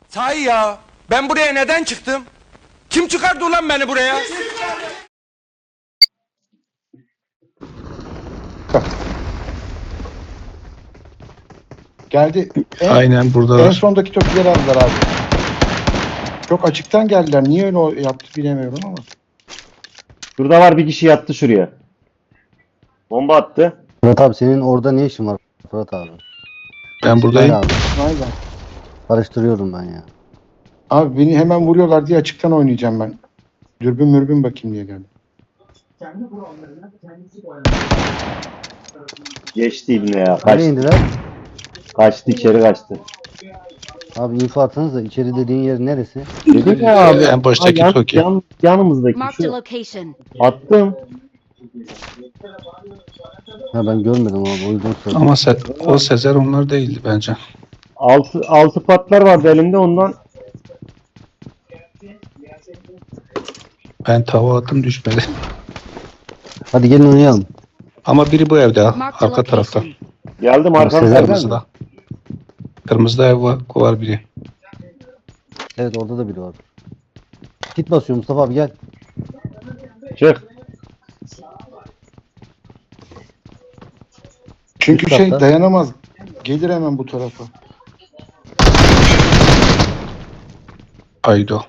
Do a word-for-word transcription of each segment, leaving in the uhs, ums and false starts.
Sahi ya, ben buraya neden çıktım? Kim çıkardı ulan beni buraya? Geldi. En, Aynen buradalar. en sondaki tokileri aldılar abi. Çok açıktan geldiler. Niye öyle o- yaptı bilemiyorum ama. Şurada var, bir kişi yattı şuraya. Bomba attı. Fırat abi senin orada ne işin var Fırat abi? Ben buradayım. Hayır abi. Aynen. Karıştırıyorum ben ya. Abi beni hemen vuruyorlar diye açıktan oynayacağım ben. Dürbün mürbün bakayım diye geldim. Geçti ibne ya. Nereye Kaçtı. indiler? Kaçtı, içeri kaçtı. Abi info atsanıza içeri dediğin yer neresi? Dedim ya abi. En baştaki Ha, yan- Toki. yan- yanımızdaki Marked a şu. location. Attım. Ha ben görmedim abi o yüzden sordum. Ama se o Sezer onlar değildi bence. Altı, altı patlar vardı elimde, ondan. Ben tava attım düşmedi. Hadi gelin oynayalım. Ama biri bu evde ha. Marked a Arka tarafta. location. Geldim Sezer arkamda. Kırmızıda. Kırmızıda ev var, var biri. Evet orada da biri var. Kit basıyor Mustafa abi gel. Çık. Çünkü Üst şey katta. dayanamaz. Gelir hemen bu tarafa. Aydo.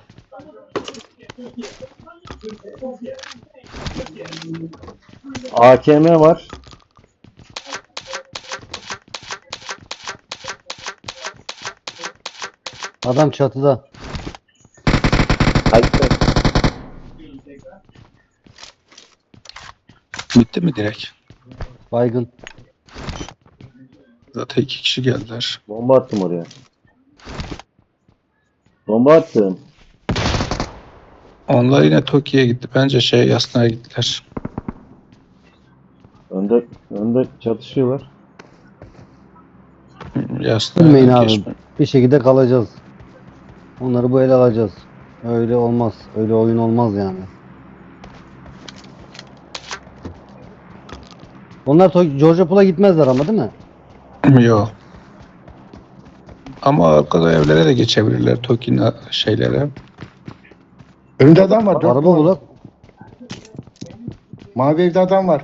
A K M var. Adam çatıda. Kaçtı. Bitti mi direkt? Baygın. Zaten iki kişi geldiler. Bomba attım oraya. Bomba attım. Onlar yine Toki'ye gitti. Bence şey Yasna'ya gittiler. Önde, önde çatışıyorlar. Yasna'ya Bilmeyin abi. geçme. Bir şekilde kalacağız. Onları bu ele alacağız. Öyle olmaz. Öyle oyun olmaz yani. Onlar To- Georgia Pool'a gitmezler ama değil mi? Yok. Ama arkada evlere de geçebilirler Toki'nin şeylere. Önünde adam var. Dört Araba numara. bulak. Mavi evde adam var.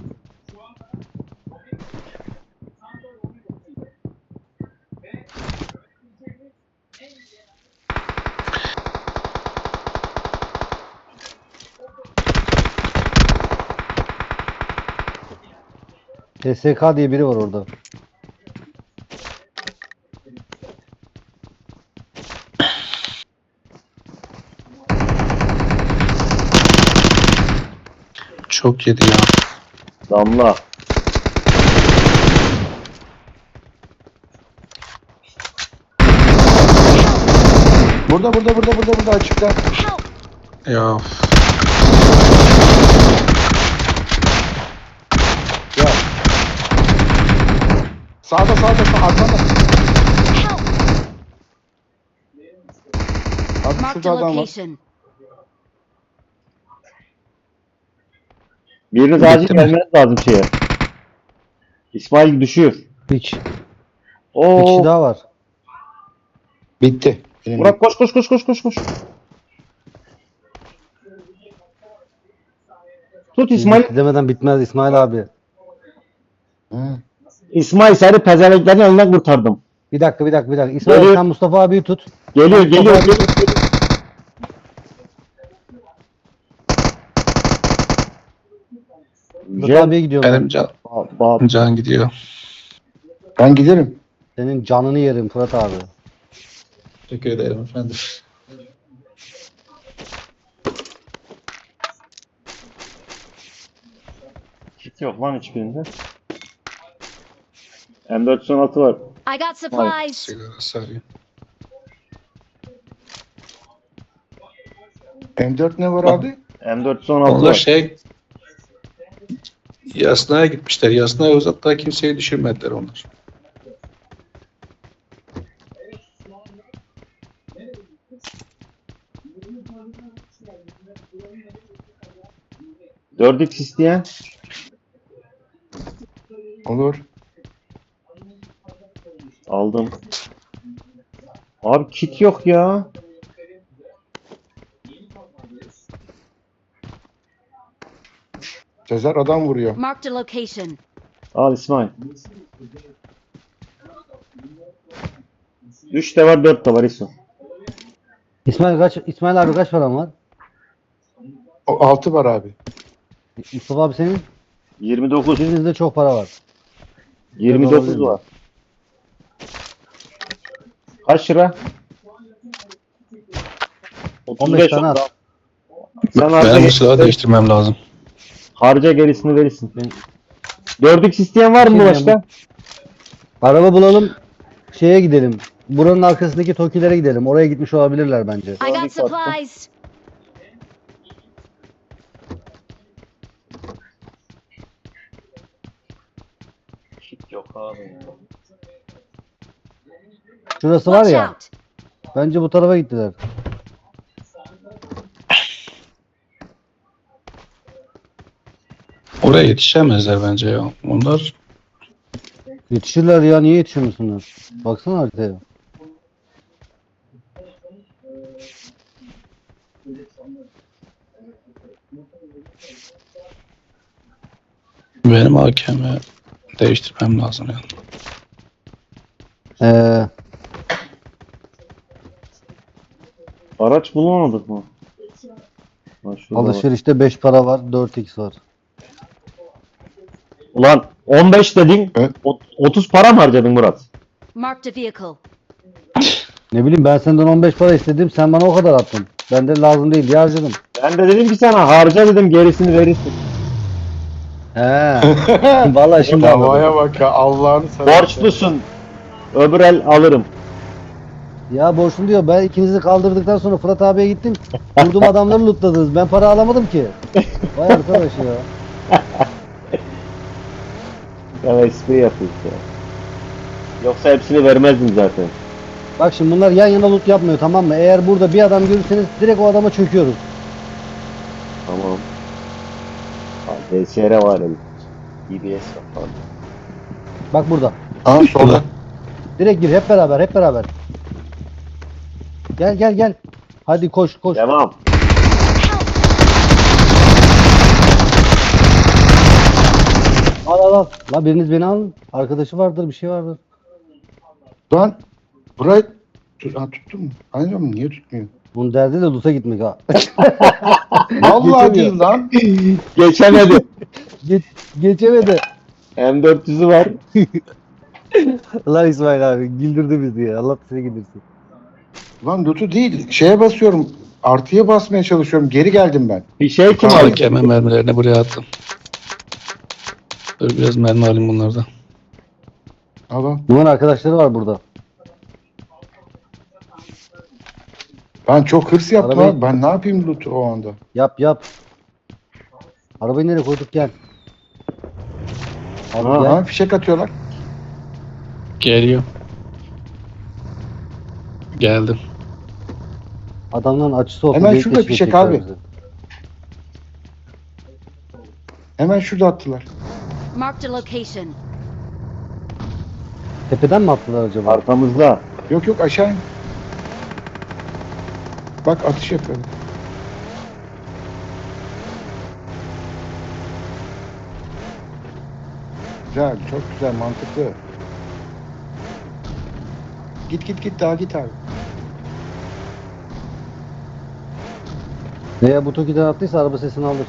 T S K diye biri var orada. Çok yedi ya. Damla. Burada burada burada burada burada açıkta. Help! Ya Ya. Sağda sağda sağ arkanda. Help! Abi Marked şurada a adam var. location. Biriniz Bitti acil mi? gelmeniz lazım şeye. İsmail düşüyor. Hiç. Bir Oo. kişi daha var. Bitti. Benim Burak koş koş koş koş koş koş. Tut İsmail. Bitti demeden bitmez İsmail abi. Hı. İsmail, seni pezevenklerin elinden kurtardım. Bir dakika bir dakika bir dakika. İsmail Geliyor. sen Mustafa abiyi tut. Geliyor Mustafa geliyor. abi- geliyor, geliyor. Mustafa Gel. abiye gidiyorum. benim ben. can, Ba- ba- can gidiyor. Ben giderim. Senin canını yerim Fırat abi. Teşekkür ederim efendim. Kit yok lan hiçbirinde. M dört yüz on altı var. I got supplies. Sigara sarayım. M dört ne var abi? M dört yüz on altı Onlar var. şey Yasna'ya gitmişler. Yasna'ya uzakta kimseyi düşürmediler onlar. dört x isteyen. Olur. Aldım. Abi kit yok ya. Sezer adam vuruyor. Marked a location. Al İsmail. üç de var, dört de var İso. İsmail kaç İsmail abi kaç paran var? O altı var abi. Mustafa abi senin? yirmi dokuz. Birinizde çok para var. yirmi dokuz var. Kaç lira? on beş tane at. Sen harca, Benim bu gel- silahı değiştirmem lazım. harca gerisini verirsin. dört x isteyen var mı Şey başka? Araba bulalım. Şeye gidelim. Buranın arkasındaki Tokilere gidelim. Oraya gitmiş olabilirler bence. I got supplies. Kit yok abi. Şurası var Watch ya. out. Bence bu tarafa gittiler. Oraya yetişemezler bence ya. Onlar Yetişirler ya. Niye yetişemiyorsunuz? Baksana haritaya. benim A K M'i değiştirmem lazım yani. Ee, Araç bulamadık mı? Ha, şurada var. alışverişte beş para var. dört x var. Ulan on beş dedin. Evet. ot- otuz para mı harcadın Murat? Marked a vehicle. Ne bileyim ben senden on beş para istedim. Sen bana o kadar attın. Ben de lazım değil diye harcadım. Ben de dedim ki sana harca dedim, gerisini verirsin. He. Vallahi şimdi anladım. Davaya bak ya Allah'ını seversen. Borçlusun. Öbür el alırım. Ya borçlu diyor. Ben ikinizi kaldırdıktan sonra Fırat abiye gittim. Vurdum adamları lootladınız. Ben para alamadım ki. Vay arkadaş ya. Ya espri yapıyorsun ya. Yoksa hepsini vermezdim zaten. Bak şimdi bunlar yan yana loot yapmıyor, tamam mı? Eğer burada bir adam görürseniz direkt o adama çöküyoruz. Tamam. D S R var elim. D B S var falan. Bak burada. Ha solda. Direkt gir hep beraber hep beraber. Gel gel gel. Hadi koş koş. Devam. Al al al. La biriniz beni alın. Arkadaşı vardır, bir şey vardır. Lan burayı tut, ha, tuttun mu? Anlıyorum niye tutmuyor? Bunun derdi de loot'a gitmek ha. Vallahi Geçemiyor. değil lan. Geçemedi. Geç, geçemedi. M dört yüzü var. Lan İsmail abi güldürdü bizi ya. Allah seni güldürsün. Lan loot'u değil. Şeye basıyorum. Artıya basmaya çalışıyorum. Geri geldim ben. Bir şey kim Abi. aldı? A K M mermilerini buraya attım. Dur biraz mermi alayım bunlardan. Al al. Bunun arkadaşları var burada. Ben çok hırs yaptım Arabayı- abi. Ben ne yapayım loot'u o anda? Yap yap. Arabayı nereye koyduk gel. Abi Aha. gel. Ha, fişek atıyorlar. Geliyor. Geldim. Adamların açısı olsun. Hemen delik şurada deşik fişek edecekler abi. bizi. Hemen şurada attılar. Marked a location. Tepeden mi attılar acaba? Arkamızda. Yok yok aşağı in. Bak atış yapıyorum. Güzel, çok güzel, mantıklı. Git git git daha git abi. Veya bu Toki'den attıysa araba sesini alır.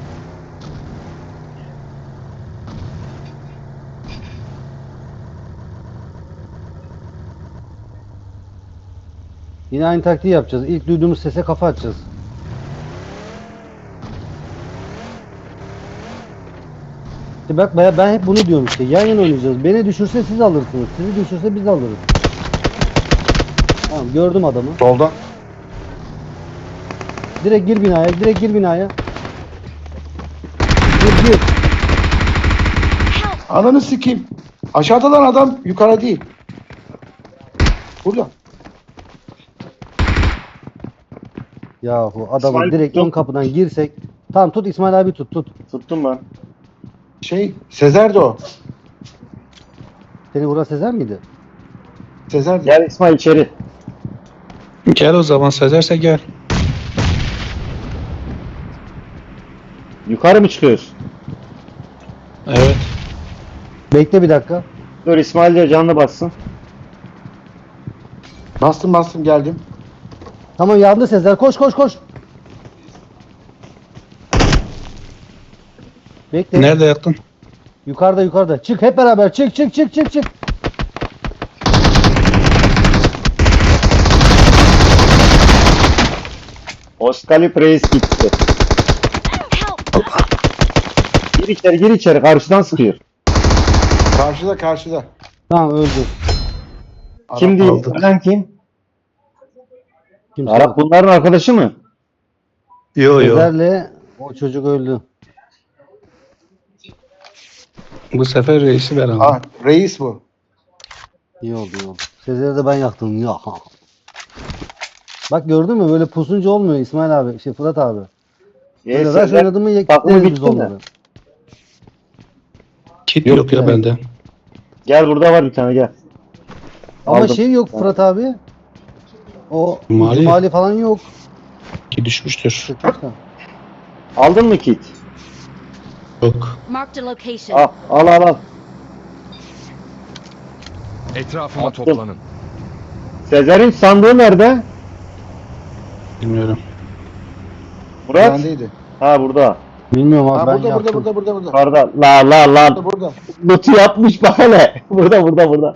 Yine aynı taktiği yapacağız. İlk duyduğumuz sese kafa atacağız. İşte bak baya ben hep bunu diyorum işte. Yan yana oynayacağız. Beni düşürse siz alırsınız. Sizi düşürse biz alırız. Tamam gördüm adamı. Soldan. Direkt gir binaya. Direkt gir binaya. Gir gir. Ananı sikeyim. Aşağıda lan adam, yukarı değil. Burada. Yahu adamı İsmail direkt tuttum. ön kapıdan girsek. Tamam tut İsmail abi tut tut. Tuttum ben. Şey, Sezer de o. Seni vuran Sezer miydi? Sezer de. Gel İsmail içeri. Gel o zaman Sezerse gel. Yukarı mı çıkıyoruz? Evet. Bekle bir dakika. Dur İsmail de canlı bassın. Bastım bastım geldim. Tamam yandı Sezer. Koş koş koş. Bekle. Nerede yaktın? Yukarıda yukarıda. Çık hep beraber. Çık çık çık çık çık. Oskalip Reis gitti. Help! Gir içeri gir içeri karşıdan sıkıyor. Karşıda karşıda. Tamam öldü. Kim değil? aldı. Ölen kim? Kimse Arap yok. bunların arkadaşı mı? Yo yo. Sezer'le o çocuk öldü. Bu sefer reisi ben aldım. Ah reis bu. İyi oldu iyi oldu. Sezer'i de ben yaktım. Ya. Bak gördün mü böyle pusunca olmuyor İsmail abi. Şey Fırat abi. Ee, Böyle rush Sezer, oynadı mı takımı yekleriz biz bitti mi? onları. Kit Yok yok, ya yani. bende. Gel burada var bir tane gel. Ama Aldım. şey yok Fırat abi. O Mali. mali falan yok. Ki düşmüştür. Çıkmışlar. Aldın mı kit? Yok. Marked a location. Al al al. al. Etrafıma Attım. toplanın. Sezer'in sandığı nerede? Bilmiyorum. Murat? Bendeydi. Ha burada. Bilmiyorum abi Ha, ben burada, burada yaktım. burada burada burada. Yukarıda. La la la. Burada burada. Loot'u yapmış bak hele. Burada burada burada.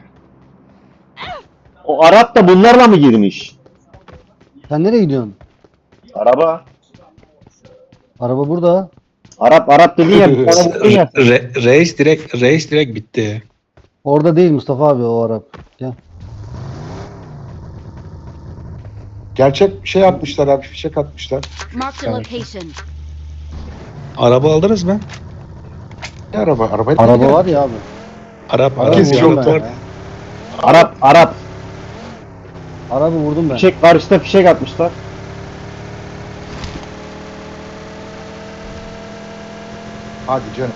O Arap da bunlarla mı girmiş? Sen nereye gidiyorsun? Araba. Araba burada. Arap Arap dedin ya. Bir tane buldun ya. Re- reis direkt reis direkt bitti. Orada değil Mustafa abi o Arap. Gel. Gerçek şey atmışlar abi fişek atmışlar. Marked a location. Araba aldınız mı? Ne araba? Araba, Araba var ya abi. Arap Araba Arap Kesin vurdum yok ben var. var. ya. Arap Arap. Araba vurdum ben. Fişek karşıda fişek atmışlar. Hadi canım.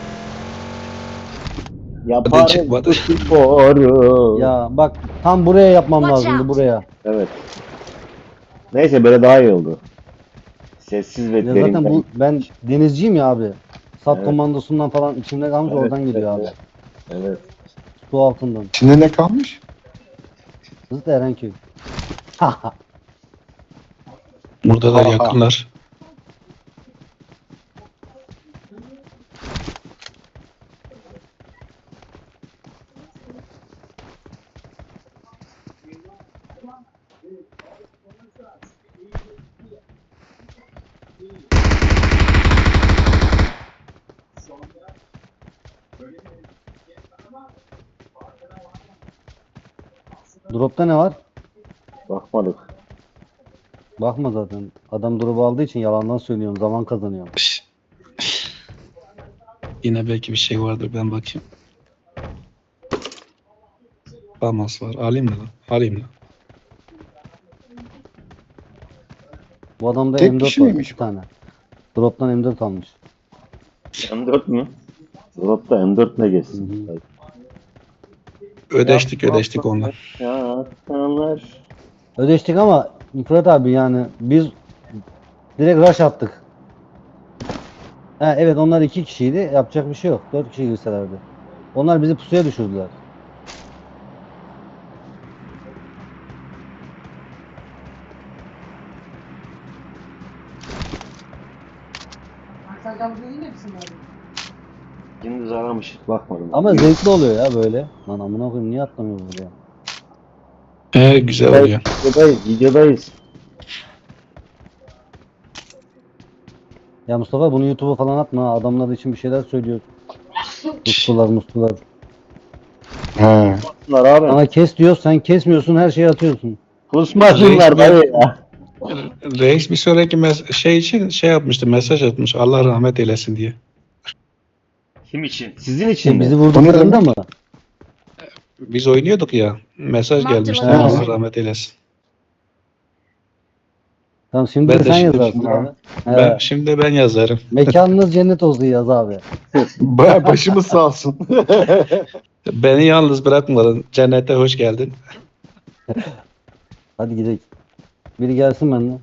Yaparım çıkmadı. bu sporu. Ya bak tam buraya yapmam Watch lazımdı out. buraya. Evet. Neyse böyle daha iyi oldu. Sessiz ve Ya derin. zaten bu ben denizciyim ya abi. Sat Evet. komandosundan falan içimde kalmış Evet, oradan geliyor evet, abi. Evet. Su altından. İçinde ne kalmış? Zıt Erenköy. Burada da Aha. yakınlar. Drop'ta ne var? Bakmadık. Bakma zaten. Adam drop'u aldığı için yalandan söylüyorum. Zaman kazanıyorum. Şş. Yine belki bir şey vardır, ben bakayım. Famas var. Alayım mı lan? Alayım lan. Bu adamda Tek M dört kişi var. miymiş iki tane. Drop'tan M dört almış. M dört mü? Drop'ta M dört ne geçsin? Hı hı. Ödeştik ödeştik onunla. Ya aslanlar. Ödeştik ama Fırat abi yani biz direkt rush attık. Ha, evet onlar iki kişiydi. Yapacak bir şey yok. Dört kişi girselerdi. Onlar bizi pusuya düşürdüler. Gündüz aramış. Bakmadım. Ama zevkli oluyor ya böyle. Lan amına koyayım niye atlamıyor buraya? Ee, güzel oluyor. Videodayız. Videodayız. Ya Mustafa bunu YouTube'a falan atma. Adamlar için bir şeyler söylüyor. Mustular mustular. He. Bunlar abi. Sana kes diyor sen kesmiyorsun her şeyi atıyorsun. Kusmasınlar dayı ya. Reis bir sonraki mes- şey için şey yapmıştı, mesaj atmış. Allah rahmet eylesin diye. Kim için? Sizin için Şimdi mi? bizi vurduklarında mı? Biz oynuyorduk ya. Mesaj Marked gelmişti. location. Allah rahmet eylesin. Tamam şimdi Ben de de sen şimdi- yazarsın abi. Ben, He. şimdi de ben yazarım. Mekanınız cennet olsun yaz abi. Baya başımız sağ olsun. Beni yalnız bırakmadın. Cennete hoş geldin. Hadi gidelim. Biri gelsin benden.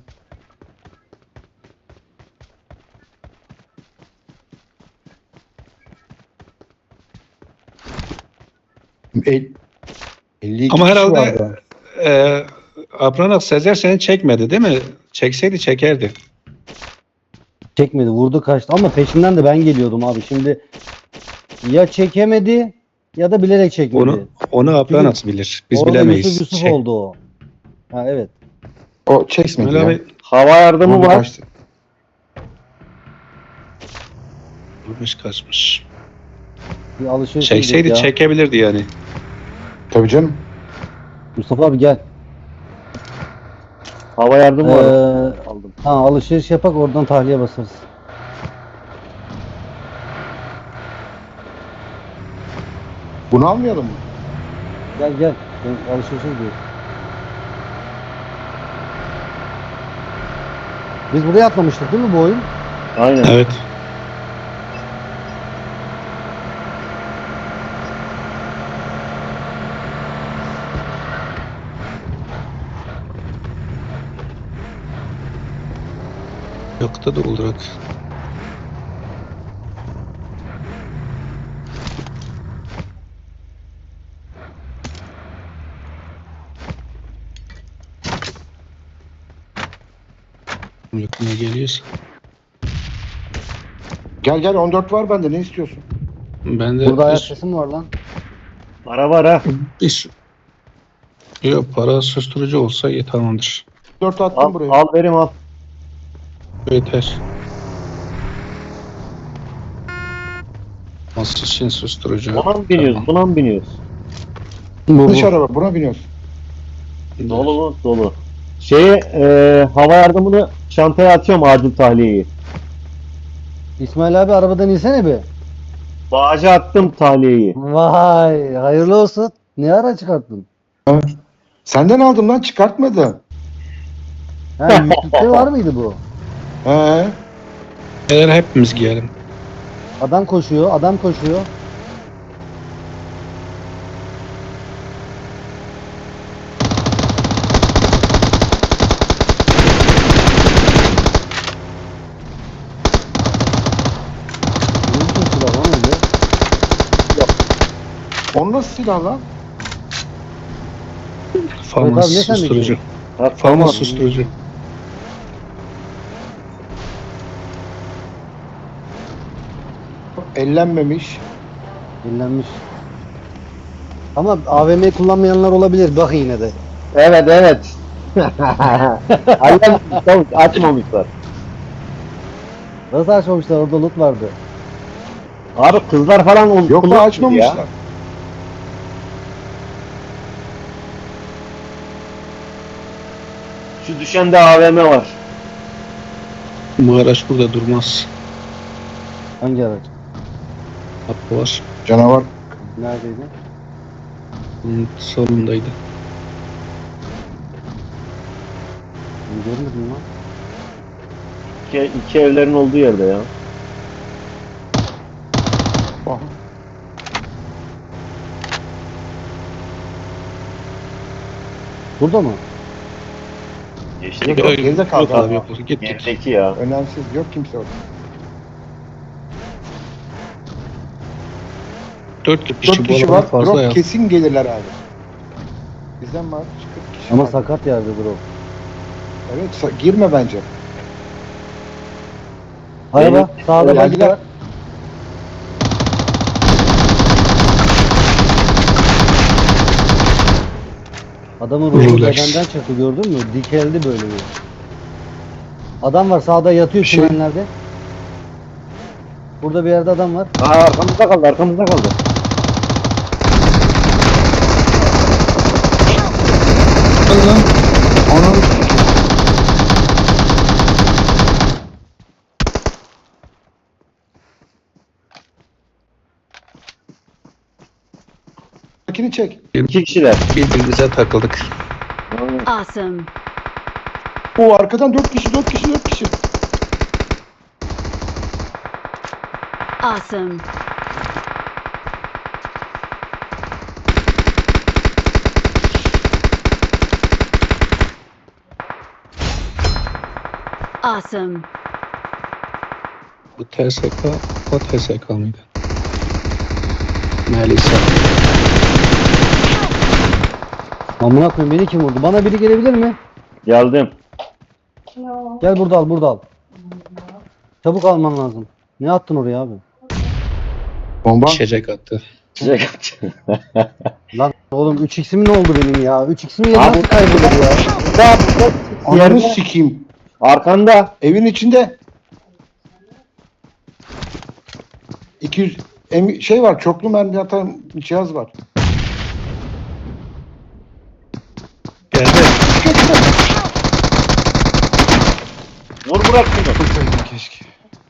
El, elli iki Ama kişi herhalde vardı. e, Apranak Sezer seni çekmedi değil mi? Çekseydi çekerdi. Çekmedi, vurdu kaçtı ama peşinden de ben geliyordum abi. Şimdi ya çekemedi ya da bilerek çekmedi. Onu onu Apranak bilir. Biz Orada bilemeyiz. Yusuf Yusuf Çek- oldu o. Ha evet. O çekmedi İsmail ya. abi Hava yardımı Vurdu var. kaçtı. vurmuş kaçmış. Bir alışveriş Çekseydi edecek ya. çekebilirdi yani. Tabii canım. Mustafa abi gel. Hava yardımı var. Ee, Aldım. ha, alışveriş yapak oradan tahliye basarız. Bunu almayalım mı? Gel gel. Ben alışverişe gidiyorum. Biz buraya atlamıştık değil mi bu oyun? Aynen. Evet. Yokta da olarak. Yakına geliyorsa. Gel gel on dört var bende, ne istiyorsun? Ben de Burada ayak bir, sesi mi var lan? Para var ha. bir yok para susturucu olsa iyi tamamdır. dört attım Al, buraya. al verim al. Yeter. Nasıl için susturucu? Buna mı biniyoruz? Buna mı biniyoruz? Bu, Dış araba, buna biniyoruz. Dolu mu? Dolu. Şeye e, hava yardımını çantaya atıyorum, acil tahliyeyi. İsmail abi arabadan insene bir. Bağaca attım tahliyeyi. Vay hayırlı olsun. Ne ara çıkarttın? Senden aldım lan, çıkartmadı. Ha yüklükte var mıydı bu? He. Eğer hepimiz giyelim. Adam koşuyor, adam koşuyor. Ne biçim silah lan öyle? Onun nasıl silah lan? Famas abi, ne sen susturucu. diyorsun? Ha, Famas tamam. susturucu. Ellenmemiş. Dinlenmiş. Ama A V M kullanmayanlar olabilir. Bak yine de. Evet evet. Aynen tamam, açmamışlar. Nasıl açmamışlar? Orada loot vardı. Abi kızlar falan onu Yok mu, kullanmıyor açmamışlar. ya. Şu düşende A V M var. Bu araç burada durmaz. Hangi araç? Hakkı var. Canavar. Neredeydi? Bunun solundaydı. Ben görmedim lan. İki, iki evlerin olduğu yerde ya. Aha. Burada mı? Geçtik. Yok, yok, geride kaldı Yok abi abi. yok. Git git. Gerideki ya. Önemsiz, yok kimse orada. Dört kişi, dört bu kişi arada var, fazla ya. drop kesin gelirler abi. Bizden var kırk kişi Ama var. sakat yerde bro. Evet, sa- girme bence. Araba sağda Geldiler. bagi var. Adamın ruhu Relax. bedenden çıktı gördün mü? Dikeldi böyle bir. Adam var sağda yatıyor Şey- çimenlerde. Burada bir yerde adam var. Aa, arkamızda kaldı, arkamızda kaldı. Onun Makini çek. İki kişiler. Birbirimize takıldık. Awesome. O arkadan dört kişi, dört kişi, dört kişi. Awesome. Awesome. Bu T S K, o T S K mıydı? Melisa. Amına koyayım, beni kim vurdu? Bana biri gelebilir mi? Geldim. Gel burada al, burada al. Çabuk alman lazım. Ne attın oraya abi? Bomba. İçecek attı. Çiçek attı. Lan oğlum üç x'im ne oldu benim ya? üç x'im yeri Abi- nasıl kaybolur ya? Ananı Yerde. sikeyim. Arkanda. Evin içinde. iki yüz em- şey var, çoklu mermi atan cihaz var. Geldi. Vur bırak şunu. Keşke.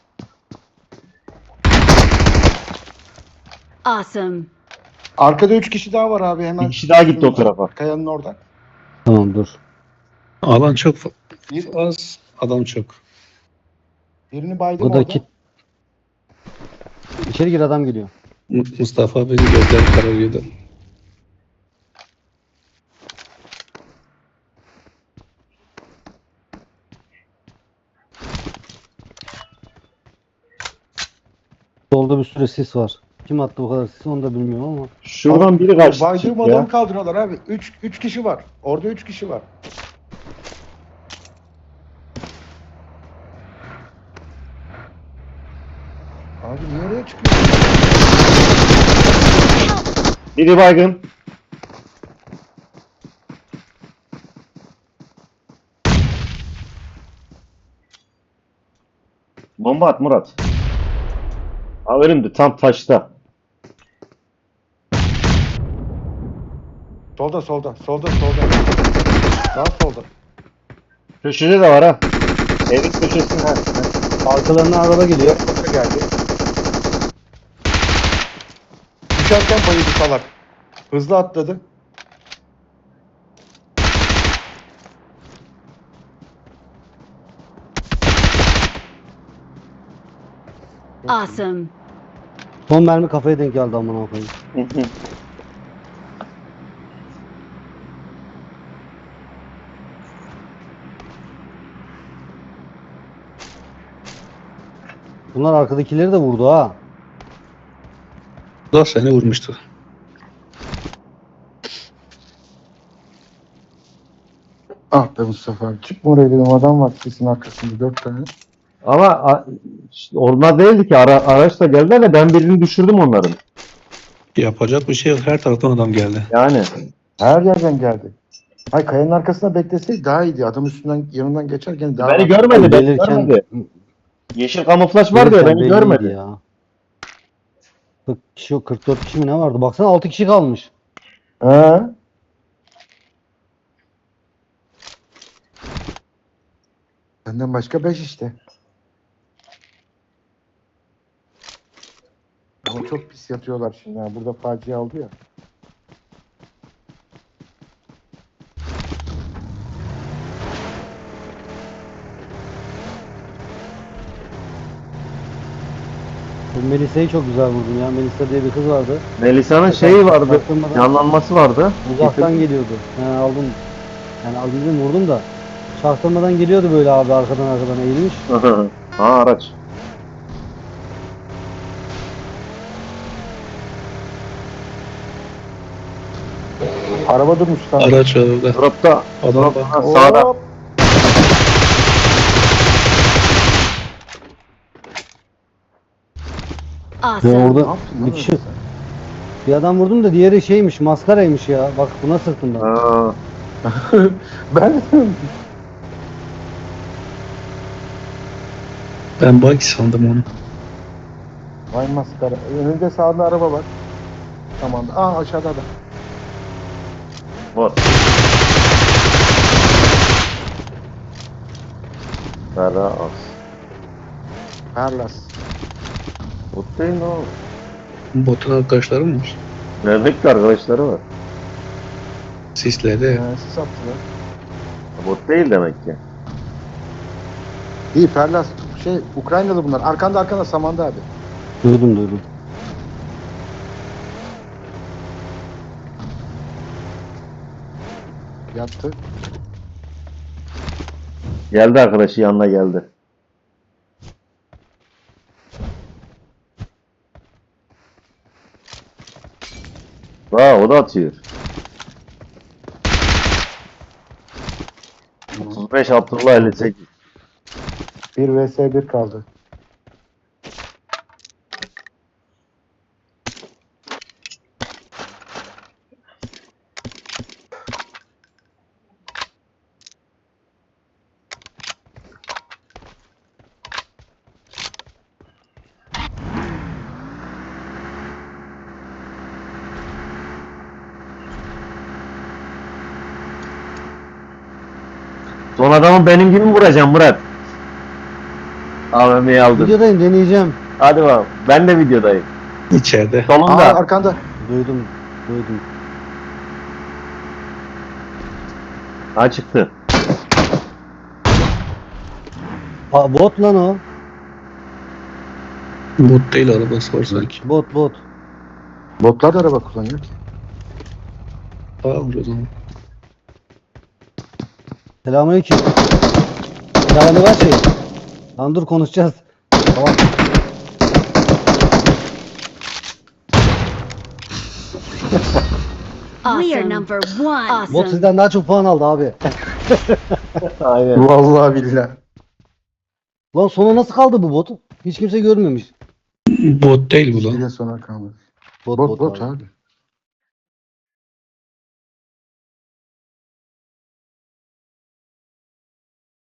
Awesome. Arkada üç kişi daha var abi, hemen. Bir kişi daha gitti o tarafa. Kayanın orada. Tamam dur. Alan çok fa- Bir, az, adam çok. birini baydım Bu da orada. kit. İçeri gir, adam geliyor. Mu- Mustafa beni gözleri kararıyordu. Solda bir sürü sis var. Kim attı bu kadar sisi onu da bilmiyorum ama. Şuradan biri kaçtı. Baydığım çıktı adamı ya. kaldırıyorlar abi. üç üç kişi var. Orada üç kişi var. Abi niye oraya çıkıyorsun? Biri baygın. Bomba at Murat. Haberim de tam taşta. Solda solda solda solda. Daha solda. Köşede de var ha. Evin köşesinde. Ha. Arkalarına araba geliyor. Kapı geldi. Düşerken bayıldı salak. Hızlı atladı. Awesome. Son mermi kafaya denk geldi amına koyayım. Bunlar arkadakileri de vurdu ha. Bu da seni vurmuştu. Ah be Mustafa abi. Çıkma oraya dedim, adam var sesin arkasında dört tane. Ama a- işte onlar değildi ki. Ara, araçla geldiler de ben birini düşürdüm onların. Yapacak bir şey yok. Her taraftan adam geldi. Yani. Her yerden geldi. Hay kayanın arkasında bekleseydi daha iyiydi. Adam üstünden yanından geçerken daha Beni görmedi. Beni Gelirken- görmedi. Yeşil kamuflaj var diye gelirken beni belliydi görmedi. ya. kırk kişi yok, kırk dört kişi mi ne vardı? Baksana altı kişi kalmış. He. Benden başka beş işte. Ama çok pis yatıyorlar şimdi ha. Burada facia oldu ya. Bu Melisa'yı çok güzel vurdum ya. Melisa diye bir kız vardı. Melisa'nın şeyi vardı. Baktırmadan Yanlanması vardı. uzaktan geliyordu. He aldım. Yani aldım vurdum da. Çaktırmadan geliyordu böyle abi, arkadan arkadan eğilmiş. ha araç. Araba durmuş lan. Araç var orada. Dropta. Adam Drop, var. ha, sağda. Hop. Ya Awesome. Ne orada yaptın lan bir kişi, öyle sen? bir adam vurdum da diğeri şeymiş, maskaraymış ya. Bak buna sırtım ben. Ha, Ben Ben bug sandım onu. vay maskara. Önünde sağında araba var. Tamam. Aa aşağıda da. bot. Ferra az. Perlas. Bot değil mi o? Botun arkadaşları mı var? Nerede arkadaşları var? Sisledi. Ee, sis attılar. Bot değil demek ki. İyi Perlas. Şey Ukraynalı bunlar. Arkanda arkanda Samanda abi. Duydum duydum. Yattı. Geldi arkadaşı yanına geldi. Vaa o da atıyor. otuz beş Abdullah elli sekiz. bir vs bir kaldı. Son adamı benim gibi mi vuracağım Murat? A V M'yi aldım. Videodayım, deneyeceğim. Hadi bakalım. Ben de videodayım. İçeride. Aa Solunda. arkanda. Duydum. Duydum. Ha çıktı. Ha, bot lan o. Bot değil arabası var sanki. Bot bot. Botlar da araba kullanıyor ki. Aa o zaman. Selamünaleyküm. Selamı var şey. Lan dur konuşacağız. Tamam. We are number one. Bot Awesome. sizden daha çok puan aldı abi. Aynen. Vallahi billahi. Lan sona nasıl kaldı bu bot? Hiç kimse görmemiş. Bot değil bu Bir lan. de sonra kaldı. Bot Bot bot, bot abi. abi.